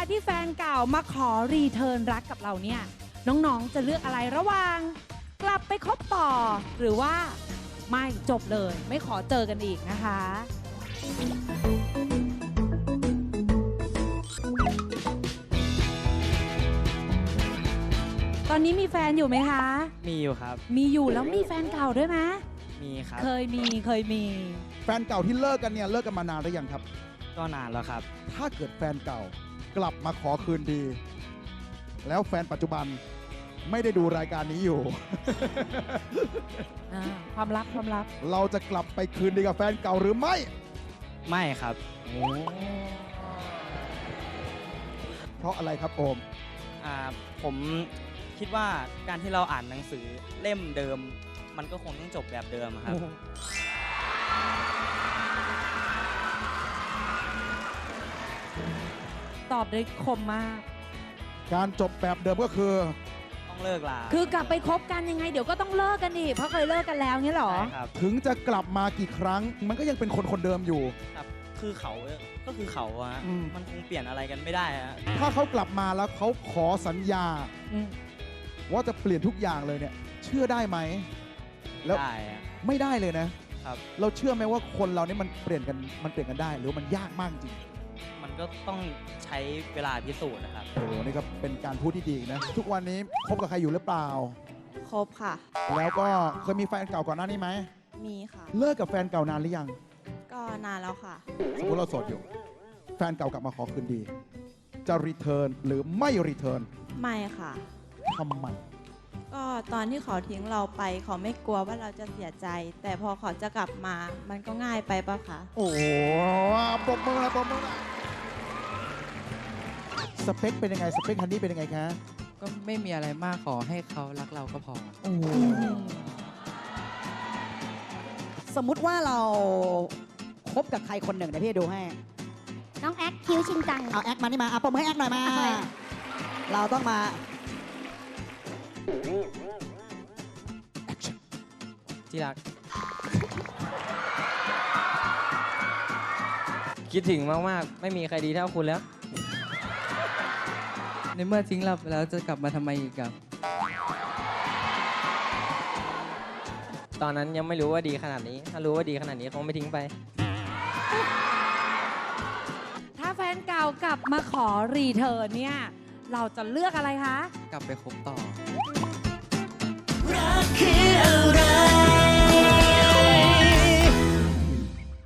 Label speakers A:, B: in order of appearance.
A: ที่แฟนเก่ามาขอรีเทิร์นรักกับเราเนี่ยน้องๆจะเลือกอะไรระหว่างกลับไปคบต่อ หรือว่าไม่จบเลยไม่ขอเจอกันอีกนะคะ ตอนนี้มีแฟนอยู่ไหมคะ
B: มีอยู่ครับ
A: มีอยู่แล้วมีแฟนเก่าด้วยไหม
B: มีครับ
A: เคยมี
C: แฟนเก่าที่เลิกกันเนี่ยเลิกกันมานานหรือยังครับ
B: ก็นานแล้วครับ
C: ถ้าเกิดแฟนเก่ากลับมาขอคืนดี แล้วแฟนปัจจุบันไม่ได้ดูรายการนี้อยู่
A: ความลับ
C: เราจะกลับไปคืนดีกับแฟนเก่าหรือไม่
B: ไม่ครับ
C: เพราะอะไรครับโอม
B: ผมคิดว่าการที่เราอ่านหนังสือเล่มเดิม มันก็คงต้องจบแบบเดิมอะครับ
A: ตอบได้คมมาก
C: การจบแบบเดิมก็คือ
B: ต้องเลิกลา
A: คือกลับไปคบกันยังไงเดี๋ยวก็ต้องเลิกกันอีกเพราะเคยเลิกกันแล้วเนี่ยหรอ
B: ใช่ครับ
C: ถึงจะกลับมากี่ครั้ง มันก็ยังเป็นคนคนเดิมอยู่
B: ครับ คือเขาก็คือเขาอะ
C: อืม
B: มันคงเปลี่ยนอะไรกันไม่ได้อะ
C: ถ้าเขากลับมาแล้วเขาขอสัญญา
A: อืม
C: ว่าจะเปลี่ยนทุกอย่างเลยเนี่ย เชื่อได้ไหมแล้ว
B: ได้อะ
C: ไม่ได้เลยนะ
B: ครับ
C: เราเชื่อไหมว่าคนเรานี่มันเปลี่ยนกันได้ หรือว่ามันยากมากจริง
B: มันก็ต้องใช้เวลาพิสูจน์นะครับ
C: โอ้โหนี่ก็เป็นการพูดที่ดีนะ ทุกวันนี้คบกับใครอยู่หรือเปล่า
D: ครบค่ะ
C: แล้วก็เคยมีแฟนเก่าก่อนหน้านี้ไหม
D: มีค่ะ
C: เลิกกับแฟนเก่านานหรือยัง
D: ก็นานแล้วค่ะ
C: สมมติเราโสดอยู่ แฟนเก่ากลับมาขอคืนดี จะรีเทิร์นหรือไม่รีเทิร์น
D: ไม่ค่ะ
C: ทำไม
D: ก็ตอนที่เขาทิ้งเราไปเขาไม่กลัวว่าเราจะเสียใจ แต่พอเขาจะกลับมา มันก็ง่ายไปปะคะ
C: โอ้โหปรบมือเลยปรบมือเลยสเปคเป็นยังไง สเปคฮันนี่เป็นยังไงคะ
E: ก็ไม่มีอะไรมากขอให้เขารักเราก็พอ
C: โอ้โห
F: สมมุติว่าเราคบกับใครคนหนึ่งเดี๋ยวพี่ดูให้
G: น้องแอคคิวชินจัง
F: เอาแอคมานี่มาเอาปมให้แอคหน่อยมา
G: เอาเลย
F: เราต้องมา
E: ที่รัก คิดถึงมาก ๆ ไม่มีใครดีเท่าคุณแล้ว ในเมื่อทิ้งเราไปแล้วจะกลับมาทำไมอีกครับ ตอนนั้นยังไม่รู้ว่าดีขนาดนี้ ถ้ารู้ว่าดีขนาดนี้คงไม่ทิ้งไป
A: ถ้าแฟนเก่ากลับมาขอรีเทิร์นเนี่ยเราจะเลือกอะไรคะ
E: กลับไปคบต่อ
H: รักคืออะไร